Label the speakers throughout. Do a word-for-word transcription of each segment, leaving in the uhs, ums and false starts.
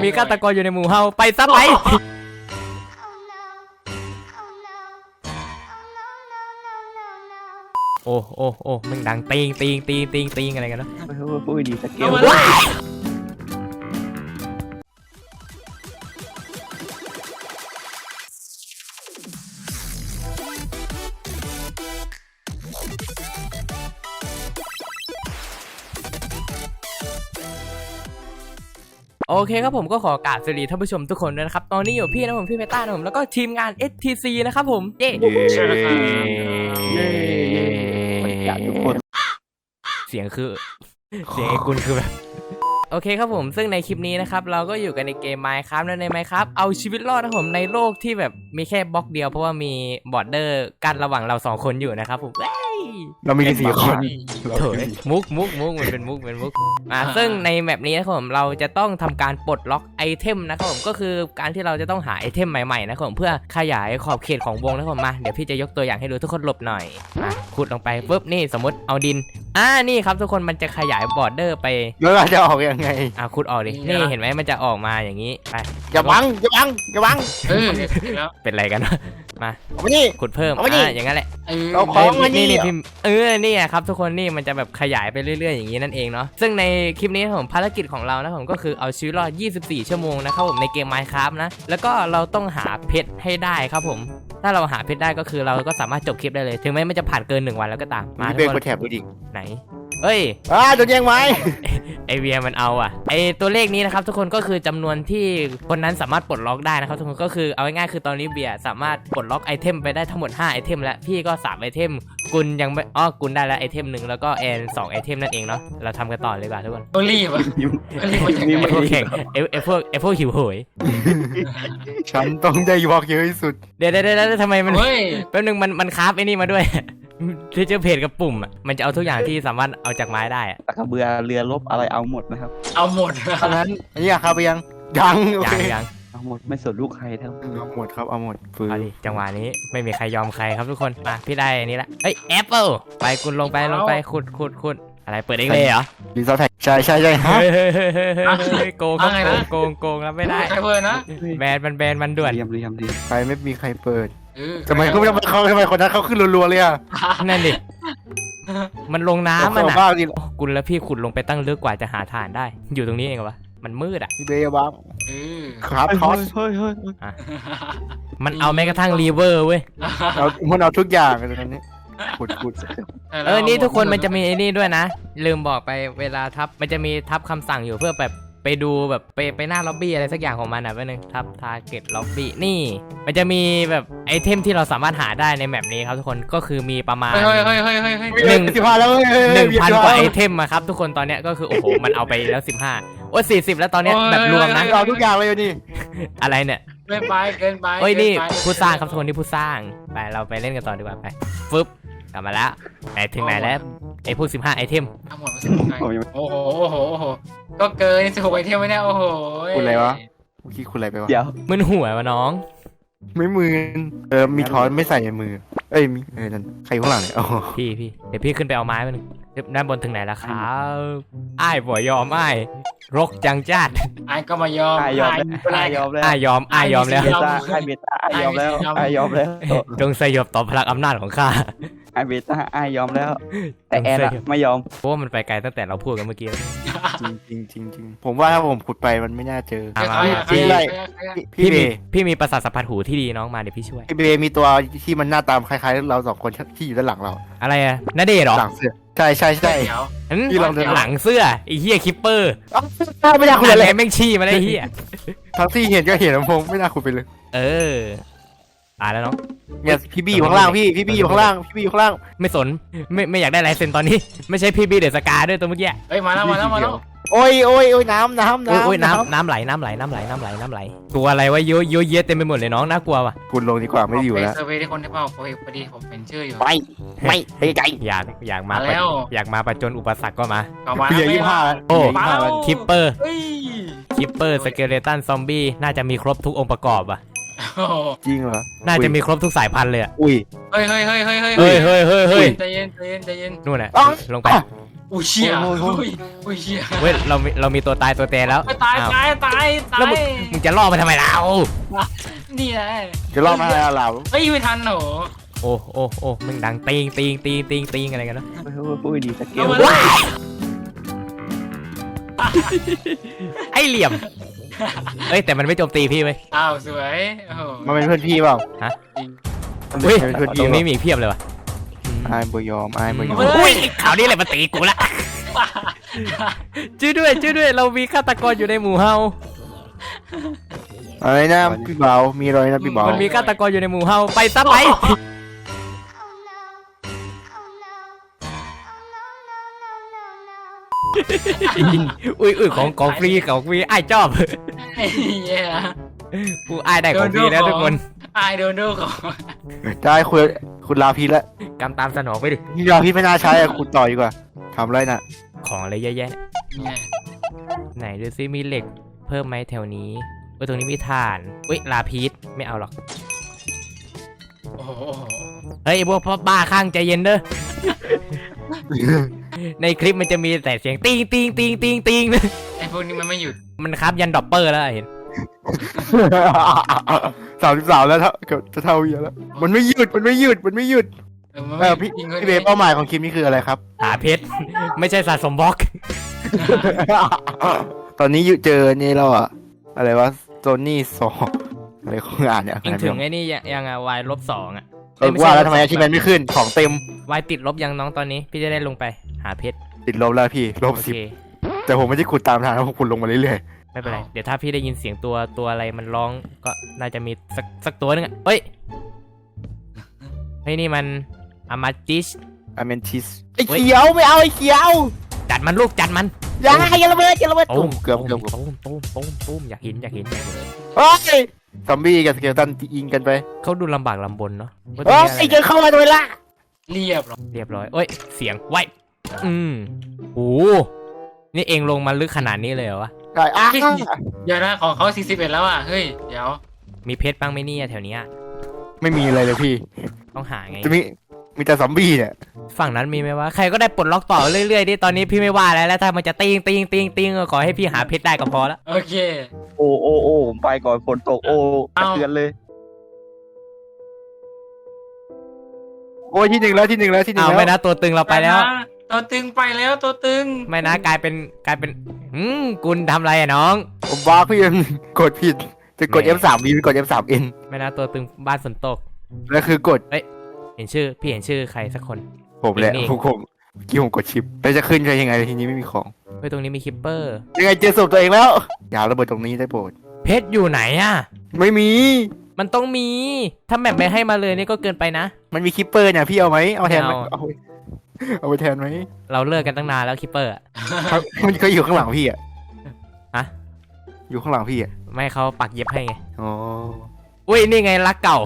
Speaker 1: มีฆาตกรอยู่ในหมู่เฮาไปซะไปโอ้โอ้โอ้มันดังตีงตีงตีงตีงตีงอะไรกันเนาะ
Speaker 2: พูดดีสเกล
Speaker 1: โอเคครับผมก็ขอกราบสวัสดีท่านผู้ชมทุกคนด้วยนะครับตอนนี้อยู่พี่นะผมพี่เพต้านะผมแล้วก็ทีมงาน เอส ที ซี นะครับผมเย้
Speaker 2: ใช่ครับเย้อยากทุกคน
Speaker 1: เสียงคือเสียงไอ้กุลคือแบบโอเคครับผมซึ่งในคลิปนี้นะครับเราก็อยู่กันในเกม Minecraft และใน Minecraft เอาชีวิตรอดนะผมในโลกที่แบบมีแค่บล็อกเดียวเพราะว่ามีบอร์เดอร์กั้นระหว่างเราสองคนอยู่นะครับผม
Speaker 2: เรามีสี่คน
Speaker 1: เถอะมุกมุกมุกมันเป็นมุกเป็นมุกอ่าซึ่งในแมปนี้นะครับผมเราจะต้องทำการปลดล็อกไอเทมนะครับผมก็คือการที่เราจะต้องหาไอเทมใหม่ๆนะครับผมเพื่อขยายขอบเขตของวงนะครับผมมาเดี๋ยวพี่จะยกตัวอย่างให้ดูทุกคนหลบหน่อยมาขุดลงไปปุ๊บนี่สมมติเอาดินอ่านี่ครับทุกคนมันจะขยายบอร์เดอร์ไป
Speaker 2: แล้วเราจะออกยังไง
Speaker 1: อ่าขุดออกดินี่เห็นไหมมันจะออกมาอย่างนี้ไป
Speaker 2: อย่าบังอย่าบังอย่าบัง
Speaker 1: เป็นไรกันมา
Speaker 2: เอาไปนี่
Speaker 1: ขุดเพิ่มอ่าอย่างนั้นแหละ
Speaker 2: เอาของมา
Speaker 1: นี่นี่พี่เออนี่ครับทุกคนนี่มันจะแบบขยายไปเรื่อยๆอย่างนี้นั่นเองเนาะซึ่งในคลิปนี้ผมภารกิจของเรานะผมก็คือเอาชีวิตรอดยี่สิบสี่ชั่วโมงนะครับผมในเกม Minecraft นะแล้วก็เราต้องหาเพชรให้ได้ครับผมถ้าเราหาเพชรได้ก็คือเราก็สามารถจบคลิปได้เลยถึงแม้มันจะผ่านเกินหนึ่งวันแล้วก็ตาม
Speaker 2: มาเบรกกดแถบดูดิ
Speaker 1: ไหนเอ้ย
Speaker 2: อ่าโดนแย่งไว้
Speaker 1: ไอเวียมันเอาอ่ะไอตัวเลขนี้นะครับทุกคนก็คือจำนวนที่คนนั้นสามารถปลดล็อกได้นะครับทุกคนก็คือเอาง่ายๆคือตอนนี้เบียร์สามารถปลดล็อกไอเทมไปได้ทั้งหมดห้าไอเทมแล้วพี่ก็สามไอเทมกุลยังไม่อ๋อกุลได้แล้วไอเทมหนึ่งแล้วก็แอนสองไอเทมนั่นเองเนาะเราทำกันต่อเลยดีกว่าทุกคน
Speaker 3: ต้องรีบอ่ะรีบมาอย่าง
Speaker 1: ไอพวกแข่งไอไอพวกไอพวกหิวโหย
Speaker 2: ฉันต้องได้วอล์กเยอะที่สุด
Speaker 1: เดี๋ยวเดี๋ยวเดี๋ยวทำไมมันแป๊บนึงมันมันคราฟไอ้นี่มาด้วยที่เจอเพจกับปุ่มอ่ะมันจะเอาทุกอย่างที่สามารถเอาจากไม้ได้
Speaker 2: ตะกระเบือเรือลบอะไรเอาหมดนะครับ
Speaker 3: เอาหมด
Speaker 2: ตอนนั้นอันนี้ครับไปยังยัง
Speaker 1: ยังยัง
Speaker 2: เอาหมดไม่สนลูกใครทั้งเอาหมดครับเอาหมด
Speaker 1: ฟื้นจังหวะนี้ไม่มีใครยอมใครครับทุกคนมาพี่ได้อันนี้ละเฮ้ยแอปเปิลไปคุณลงไปลงไปขุดขุดขุดอะไรเปิดเองเลยเหรอ
Speaker 2: รีซอสแท็กใช่ใช่ใช่ฮะ
Speaker 1: โกงโกงโกงแล้วไม่ได้
Speaker 3: ใครเปิดนะ
Speaker 1: แบนมันแบนมันด่วน
Speaker 2: เรียมเรียมดีใครไม่มีใครเปิดทำไมเขาเขาทำไมคนนั้นเขาขึ้นรัวๆเลยอ่ะ
Speaker 1: นั่นดิมันลงน้ำมันอ่ะกุลแล้วพี่ขุดลงไปตั้งลึกกว่าจะหาฐานได้อยู่ตรงนี้เองเหรอวะมันมืดอ่ะ
Speaker 2: พี่เบย์บ้างครับทอสเฮ้ยเฮ้ย
Speaker 1: มันเอาแม้กระทั่งรีเวอร์เว้ย
Speaker 2: เอามันเอาทุกอย่างเลยตอนนี้ขุดขุด
Speaker 1: เออนี่ทุกคนมันจะมีไอ้นี่ด้วยนะลืมบอกไปเวลาทับมันจะมีทับคำสั่งอยู่เพื่อแบบไปดูแบบไปไปหน้าล็อบบี้อะไรสักอย่างของมันอ่ะแป๊บนึงทับทาร์เก็ตล็อบบี้นี่มันจะมีแบบไอเทมที่เราสามารถหาได้ในแมปนี้ครับทุกคนก็คือมีประมาณหนึ่ง
Speaker 2: สิบห้าแล้ว
Speaker 1: หนึ่งพันกว่าไอเทมอะครับทุกคนตอนเนี้ยก็คือโอ้โหมันเอาไปแล้วสิบห้าโอ้สี่สิบแล้วตอนเนี้ยแบบรวมนะ
Speaker 2: เอาทุกอย่างเลยนี่
Speaker 1: อะไรเนี่ย
Speaker 3: เกินไปเกินไป
Speaker 1: เฮ้ยนี่ผู้สร้างครับทุกคนที่ผู้สร้างไปเราไปเล่นกันต่อดีกว่าไปฟึบกลับมาแล้วไหนถึงไหนแล้วไอพวกสิบห้าไอเทม
Speaker 3: ทั้งหมดสิบหกโอ้โหโอ้โหโอ้โหก็เกินสิบหกไอเทมไม่แน่โอ้โห
Speaker 2: คุณอะไรวะเมื่อกี้คุณอะไรไปวะ
Speaker 1: เดี๋ยวมึนหัววะน้อง
Speaker 2: ไม่มือเออมีทอนไม่ใส่ในมือเอ้ยมีเออนั่นใครข้างหลังเนี่ย
Speaker 1: พี่พี่เดี๋ยวพี่ขึ้นไปเอาไม้มาหนึ่งด้านบนถึงไหนแล้วครับอ้ายบ่ยอมอ้ายรกจังจัด
Speaker 3: อ้ายก็มายอม
Speaker 2: อ้ายยอมอ้ายยอมแล้ว
Speaker 1: อ้ายยอมอ้ายยอมแล้ว
Speaker 2: อ้ายเบต้าอ้ายยอมแล้วอ้ายยอมแล้ว
Speaker 1: จงสยบต่อพลังอำนาจของข้า
Speaker 2: ไอเบต้าไอยอมแล้วแต่แอนไม่ยอม
Speaker 1: เพราะว่ามันไปไกลตั้งแต่เราพูดกันเมื่อกี้
Speaker 2: จริงจริงจริงผมว่าถ้าผมขุดไปมันไม่น่าเจอ
Speaker 1: พี่พี่มีพี่มีประสาทสัมผัสหูที่ดีน้องมาเดี๋ยวพี่ช่วย
Speaker 2: พี่เบมีตัวที่มันหน้าตาคล้ายๆเราสองคนที่อยู่ด้านหลังเรา
Speaker 1: อะไรอะนาเดชหรอ
Speaker 2: หลังเสื้อใช่ใช่ใช่
Speaker 1: ที่ลองหลังเสื้อไอ้เหี้ยคิปเปอร์
Speaker 2: ไม่น่าขุดเลย
Speaker 1: แม่งชี้มาได้เหี้ย
Speaker 2: ทั้งที่เห็นก็เห็นผมไม่น่าขุดไปเลย
Speaker 1: เออตายแล้วน้อง
Speaker 2: เนี่ยพี่บี้อยู่ข้างล่างพี่พี่บี้อยู่ข้างล่างพี่บี้อยู่ข้างล่าง
Speaker 1: ไม่สนไม่ไม่อยากได้ลายเซ็นตอนนี้ไม่ใช่พี่บี้เดอะสกาด้วยตัวเมื่อกี้
Speaker 3: เฮ้ยมาแล้วมาแล้วมาแล้ว
Speaker 2: โอ้ยโอ้ยโอ้ยน้ำน้ำน้ำ
Speaker 1: โอ้ยน้ำน้ำไหลน้ำไหลน้ำไหลน้ำไหลน้ำไหลตัวอะไรวะเยอะเยอะเยอะเต็มไปหมดเลยน้องน่ากลัวว่ะ
Speaker 2: คุณลงดีกว่าไม่อยู่แล้ว
Speaker 3: เซอร์เวย์ที่คนที่เปล่าพอดีผมเป็นชื่ออยู่
Speaker 2: ไม่ไม่ไปไกล
Speaker 1: อยากอยากมาอยากมาประจนอุปสรรคก็มา
Speaker 2: เพียยี่ห้า
Speaker 1: โอ้คิปเปอร์คิปเปอร์สเกเลตันซอมบี้น่าจะมีครบทุกองค์ประกอบอ่ะ
Speaker 2: จริงเหรอ
Speaker 1: น่าจะมีครบทุกสายพันธุ์เลยอ่ะ
Speaker 2: อุ้ย
Speaker 3: เฮ้ยเฮ้ยเฮ้ยเฮ้ยเฮ้ย
Speaker 1: เฮ้ยเฮ้ยเฮ้ยเฮ้ย
Speaker 3: ใจเย็นใจเย็นใจเย็น
Speaker 1: นู่นแหละลงไป
Speaker 3: อุ้ยเชี่ย
Speaker 2: โอ้ยโอ้ย
Speaker 3: อุ้ยอุ้ยเชี่ย
Speaker 1: เว้ยเรามีเรามีตัวตายตัวแตนแล้ว
Speaker 3: ตาย
Speaker 1: อ้าว
Speaker 3: ตายตายตา
Speaker 1: แล้วมึง
Speaker 3: ย
Speaker 1: มึงจะล่อมาทำไมเรา
Speaker 3: นี่แหละ
Speaker 2: จะรอดมาอะไรเรา
Speaker 3: เฮ้ยไม่ทันเหรอ
Speaker 1: โอ้โอ้โอ้มึงดังติงติงติงติงติงอะไรกันเนาะ
Speaker 2: พูดดีสเกล
Speaker 3: เอามา
Speaker 1: ว้ายไอเหลี่ยมเอ้ยแต่มันไม่โจมตีพี่เว้ย
Speaker 3: อ้าวสวยโอ้โห
Speaker 2: มันเป็นเพื่อนพี่เปล่า
Speaker 3: จริง
Speaker 1: เฮ้ย
Speaker 2: มันเป็นเพื่อน
Speaker 1: ตร
Speaker 2: พี่
Speaker 1: ง
Speaker 2: เป
Speaker 1: นี้
Speaker 2: ล่า
Speaker 1: มีอีกเพียบเลยว่ะ
Speaker 2: อายบยอมอายบยอม
Speaker 1: อุ้ยข่าวนี้เลยมาตีกูละช่วยด้วยช่วยด้วยเรามีฆาตกรอยู่ในหมู่เฮา
Speaker 2: อะไรนะพี่เบามีอะไรนะพี่เบา
Speaker 1: มันมีฆาตกรอยู่ในหมู่เฮาไปซะไป อุ้ยอุ้ยของของฟรีของฟรีไอ้ายชอบ
Speaker 3: ไอ้เหี้ย
Speaker 1: กูไอ้ายได้ของฟรีแล้วทุกคน
Speaker 3: อายโดนดูของ
Speaker 2: ได้คุณคุณลาพีแล้ว
Speaker 1: กำตามสนองไปดิ
Speaker 2: นี่ลาพีไม่น่าใช้อะคุณต่อดีกว่าทำไรน่ะ
Speaker 1: ของอะไรเยอะแยะ
Speaker 3: เนี่ย
Speaker 1: ไหนดูซิมีเหล็กเพิ่มไหมแถวนี้เอ้ยตรงนี้มีถ่านอุ้ยลาพีชไม่เอาหรอก
Speaker 3: โอ้โหโอ้โห
Speaker 1: เฮ้ยไอ้พวกพ่อบ้าข้างใจเย็นเด้อ ในคลิปมันจะมีแต่เสียงติงติงติงติงติง
Speaker 3: ไอ้พวกนี้มันไม่หยุด
Speaker 1: มันครับยันดอปเปอร์แล้วอะเห็น
Speaker 2: สามสิบสามแล้วเท่าจะเท่าเยอะแล้วมันไม่หยุดมันไม่หยุดมันไม่หยุด
Speaker 3: เออมัน
Speaker 2: เอ
Speaker 3: ไม่
Speaker 2: อ
Speaker 3: หยุด
Speaker 2: พี่
Speaker 3: จริง
Speaker 2: พี่เบย์เป้าหมายของคลิปนี้คืออะไรครับ
Speaker 1: หาเพชร ไม่ใช่สะสมบล็อก
Speaker 2: ตอนนี้อยู่เจอนี่แล้วอะอะไรวะโซนี่สองอะไรของงานเนี่ย
Speaker 1: ยังถึงไอ้นี่ยังยังอะวายลบสองอะ
Speaker 2: เออว่าแล้วทำไมอาชีพมันไม่ขึ้นของเต็ม
Speaker 1: วายติดลบยังน้องตอนนี้ พี่จะได้ลงไปหาเพชร
Speaker 2: ติดลบแล้วพี่ลบ
Speaker 1: โอ
Speaker 2: สิบ
Speaker 1: เค
Speaker 2: แต่ผมไม่ได้ขุดตามทางนะผมขุดลงมาเรื่อย
Speaker 1: ไม่เป็นไร เดี๋ยวถ้าพี่ได้ยินเสียงตัวตัวอะไรมันร้องก็น่าจะมีสักสักตัวนึงอะเฮ้ยเฮ้ยนี่มันอามาจิช
Speaker 2: ๆอเมนทิสไอ้เขียวไม่เอาไอ้เขียว
Speaker 1: จัดมันลูกจัดมัน
Speaker 2: อย่าอย่าระเบิดอย่าระเบิด
Speaker 1: ตุ้ม
Speaker 2: เกือบเกือบเกือบ
Speaker 1: ตุ้มตุ้มตุ้มตุ้มอยากเห็นอยากเห็น
Speaker 2: โอ้ยซอมบี้กับสเกลตันยิงกันไป
Speaker 1: เขาดูลำบากลำบนเนาะว่าตร
Speaker 2: โอ้
Speaker 1: ง
Speaker 2: ย
Speaker 1: นี้อะไร
Speaker 2: เจอเข้ามาโดยละ
Speaker 3: เรียบหรอ
Speaker 1: เรียบร้อยเอ้ยเสียงไว้อืมโอ้นี่เองลงมาลึกขนาดนี้เลยเหรอวะ
Speaker 2: ได้อ่ะ
Speaker 3: เดี๋ยวนะของเขาสี่สิบเอ็ดแล้วอ่ะเฮ้ยเดี๋ยว
Speaker 1: มีเพชรบ้างไหมเนี่ยแถวเนี้ย
Speaker 2: ไม่มีอะไรเลยพี่
Speaker 1: ต้องหาไง
Speaker 2: จะมีมีแต่ซอมบี้เนี่ย
Speaker 1: ฝั่งนั้นมีไหมวะใครก็ได้ปลดล็อกต่อเรื่อยๆดิตอนนี้พี่ไม่ว่าแล้วแล้วถ้ามันจะติงติงติงติงก็ขอให้พี่หาเพชรได้ก็พอละ
Speaker 3: โอเค
Speaker 4: โอ้โอ้โอ้ผมไปก่อนฝนตกโอ้
Speaker 3: เอ้า
Speaker 4: เตือนเลย
Speaker 2: โอ้ยที่หนึ่งแล้วที่หนึ่งแล้วที่หนึ่ง
Speaker 1: เอา
Speaker 2: แล้ว
Speaker 1: ไม่นะตัวตึงเราไปแล้ว
Speaker 3: ตัวตึงไปแล้วตัวตึง
Speaker 1: ไม่นะกลายเป็นกลายเป็นอืมกุลทำอะไรอะน้อง
Speaker 2: ผมบ้าพี่ยังกดผิดจะกด
Speaker 1: แหม่
Speaker 2: เอฟ สาม บี ไปกด เอฟ สาม เอ็น
Speaker 1: ไม่นะตัวตึงบ้านฝนตก
Speaker 2: แล้วคือกด
Speaker 1: เห็นชื่อพี่เห็นชื่อใครสักคน
Speaker 2: ผมแหละ
Speaker 1: นี่
Speaker 2: ผมผมเมื่อกี้ผมกดชิปแล้วจะขึ้นไปยังไงทีนี้ไม่มีของ
Speaker 1: เฮ้ยตรงนี้มีคิปเปอร์
Speaker 2: ยังไงเจอศพตัวเองแล้ว อย่าระเบิดตรงนี้ได้โปรด
Speaker 1: เพชรอยู่ไหนอะ
Speaker 2: ไม่มี
Speaker 1: มันต้องมี ถ้าแมปไม่ให้มาเลยนี่ก็เกินไปนะ
Speaker 2: มันมีคิปเปอร์เนี่ยพี่เอาไหมเอาแทนไหม
Speaker 1: ไม่เอา
Speaker 2: เอาไปเอาไปแทนไหม
Speaker 1: เราเลิกกันตั้งนานแล้วคิปเปอร์อะ
Speaker 2: ครับมันก็อยู่ข้างหลังพี่อ่ะ
Speaker 1: ฮะ
Speaker 2: อยู่ข้างหลังพี่อ่ะ
Speaker 1: ไม่ให้เขาปักเย็บให้ไง
Speaker 2: อ๋อ
Speaker 1: อุ้ยนี่ไงรักเก่า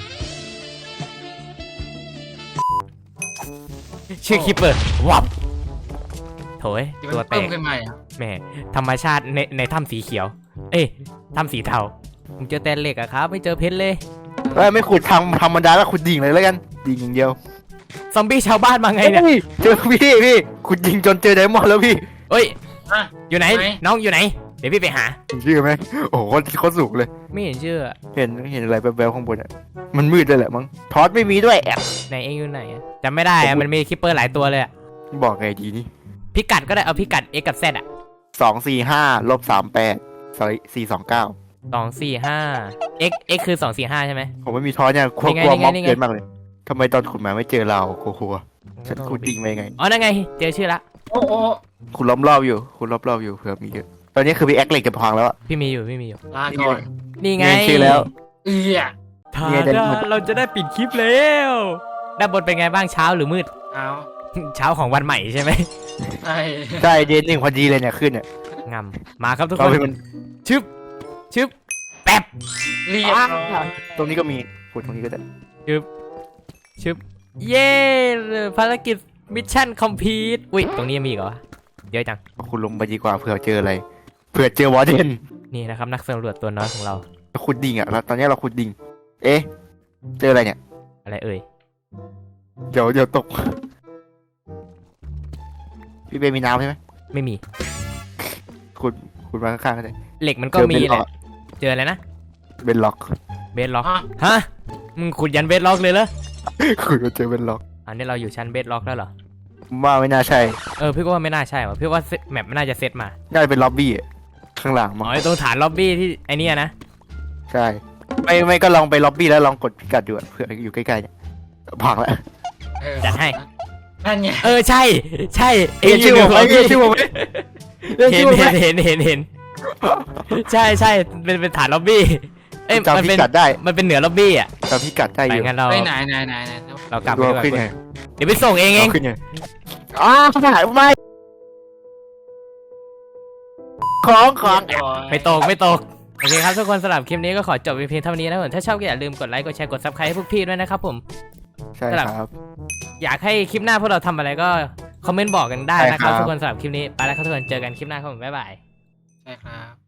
Speaker 1: ชื่อคิปเปอร์วับโถย
Speaker 3: เดี๋ยว
Speaker 1: ตัว
Speaker 3: มัน
Speaker 1: แต
Speaker 3: เพิ่ม
Speaker 1: ก
Speaker 3: ขึ้นมาอ่ะ
Speaker 1: แหมธรรมชาติในในถ้ำสีเขียว เอ้ยถ้ำสีเทาผมเจอแต่เหล็กอะครับ ไม่เจอเพชรเลย
Speaker 2: เอ้ยไม่ขุดทำธรรมดาแล้วขุดดิ่งเลยแล้วกันดิ่งอย่างเดียว
Speaker 1: ซอมบี้ชาวบ้านมาไงเนี่ย
Speaker 2: ฮ้เจอพี่พี่ขุดดิ่งจนเจอไดมอนด์แล้วพี่
Speaker 1: เอ้ย
Speaker 3: อ่ะ
Speaker 1: อยู่ไหน
Speaker 3: ไหน
Speaker 1: น้องอยู่ไหน เดี๋ยวพี่ไปหา
Speaker 2: เห็นชื่อไหมโอ้โหโคตรสูงเลย
Speaker 1: ไม่เห็นชื่ออะ
Speaker 2: เห็นเห็นอะไรแวบๆข้างบนอ่ะมันมืดเลยแหละมั้งทอสไม่มีด้วยแอบ
Speaker 1: ไหนเองอยู่ไหนอะจำไม่ได้อะมันมีคิปเปอร์หลายตัวเลยอะ
Speaker 2: บอกไงดีนี่
Speaker 1: พิกัดก็ได้เอาพิกัด x กับ z อะ
Speaker 2: สองสี่ห้าลบสามแปดสี่สองเก้า
Speaker 1: สองสี่ห้า x x คือสองสี่ห้าใช่ไหม
Speaker 2: ผมไม่มีทอสเนี่ยกลัว
Speaker 1: นี่ไง
Speaker 2: กลัว
Speaker 1: นี่ไง
Speaker 2: ม็อบ
Speaker 1: นี่ไง
Speaker 2: เกินมากเลยทำไมตอนขุดมาไม่เจอเรากลัวๆฉันขุดดิ่งไปไง
Speaker 1: อ๋อนั่นไง เจอชื่อละ
Speaker 3: โอ้โห
Speaker 2: ขุดล้อมรอบอยู่ขุดรอบๆอยู่เผื่อมีเยอะตอนนี้คือพี่แอคเหล็กจะพังแล้วอะ
Speaker 1: พี่มีอยู่พี่มีอยู่
Speaker 3: ลาก่อน
Speaker 1: นี่ไง
Speaker 2: มีชื่อแล้ว
Speaker 3: เอือ
Speaker 1: ทา
Speaker 2: เนี่ยเดี๋ยว
Speaker 1: ดาเราจะได้ปิดคลิปแล้วด้านบนเป็นไงบ้างเช้าหรือมืด
Speaker 3: เอา
Speaker 1: เช้าของวันใหม่ใช่ไหม
Speaker 3: ไอ้
Speaker 2: ใช่เดนหนึ่งพอดีเลยเนี่ยขึ้นเนี่ย
Speaker 1: งำมาครับทุกค
Speaker 2: เรา
Speaker 1: น
Speaker 2: เป็นมัน
Speaker 1: ชึบชึบแป๊บ
Speaker 3: เรียบร้อย
Speaker 2: ตรงนี้ก็มีขุดตรงนี้ก็ได้
Speaker 1: ชึบชึบเย้ภารกิจมิชชั่นคอมพลีทอุ้ยตรงนี้ยังมีอีกเหรอวะเยอะจัง
Speaker 2: เอาขุดลงไปดีกว่าเผื่อเจออะไรเผื่อเจอวอร์เดน
Speaker 1: นี่นะครับนักสำรวจตัวน้อยของเรา
Speaker 2: เราขุดดิ่งอะแล้วตอนนี้เราขุดดิ่งเอ๊ะเจออะไรเนี่ย
Speaker 1: อะไรเอ่ย
Speaker 2: เดี๋ยวเดี๋ยวตกพี่เบมีน้ำใช่ไหม
Speaker 1: ไม่มี
Speaker 2: คุณคุณมาข้างๆกันเลย
Speaker 1: เหล็กมันก็มีแหละเจออะไรนะ
Speaker 2: เบนล็อก
Speaker 1: เบสล็อก
Speaker 3: อ่ะ
Speaker 1: ฮะมึงขุดยันเบสล็อกเลยเหรอ
Speaker 2: คุณมาเจอเบนล็อก
Speaker 1: อันนี้เราอยู่ชั้นเบสล็อกแล้วเหรอ
Speaker 2: ว่าไม่น่าใช่
Speaker 1: เออพี่ก็ว่าไม่น่าใช่ว่ะพี่ว่าเซตแมปไม่น่าจะเซตมา
Speaker 2: น่าจะเป็นล็อบบี้อะข้างหลัง
Speaker 1: อ๋
Speaker 2: มั้ง
Speaker 1: อไอ้ตรงฐานล็อบบี้ที่ไอ้เนี่ยนะ
Speaker 2: ใช่ไม่ไม่ก็ลองไปล็อบบี้แล้วลองกดพิกัดดูอะเผื่ออยู่ใกล้ๆเนี่ยพังแล้ว
Speaker 3: เออ
Speaker 1: จัดให้
Speaker 3: นั่นไง
Speaker 1: เออใช่ใช่
Speaker 2: เห็นชื่อผมไหม
Speaker 1: เห็น
Speaker 2: เห็นชื่อผมไหม
Speaker 1: เห็นเห็นเห็นเห็นเห็นใช่ใช่เป็นเป็นฐานล็อบบี้เอ้ยมัน
Speaker 2: จำพิ
Speaker 1: เป็น
Speaker 2: กัดได้
Speaker 1: มันเป็นเหนือล็อบบี้อ่ะ
Speaker 2: จำพิกัดได้อ
Speaker 1: ไป
Speaker 2: ยู่
Speaker 1: งั้นเรา
Speaker 3: ไปไหนไหนไหนไหน
Speaker 1: เรากลับไป
Speaker 2: ดู
Speaker 1: ดีกว่า
Speaker 2: ขึ้นไง
Speaker 1: เดี๋ยวไปส่งเองเอง
Speaker 2: ขึ้นไงอ้าวขนาดไม่ของของ
Speaker 1: ไม่ตกไม่ตกโอเคครับทุกคนสำหรับคลิปนี้ก็ขอจบเพียงเท่านี้นะผมถ้าชอบก็อย่าลืมกดไลค์กดแชร์กดซับสไครต์ให้พวกพี่ด้วยนะครับผม
Speaker 2: ใช่ครับ
Speaker 1: อยากให้คลิปหน้าพวกเราทำอะไรก็คอมเมนต์บอกกันได้นะค
Speaker 2: ใช่ครั
Speaker 1: รับบ ทุกคนสำหรับคลิปนี้ไปแล้วครับทุกคนเจอกันคลิปหน้าครับผมบ๊ายบาย
Speaker 3: ใช่ครับ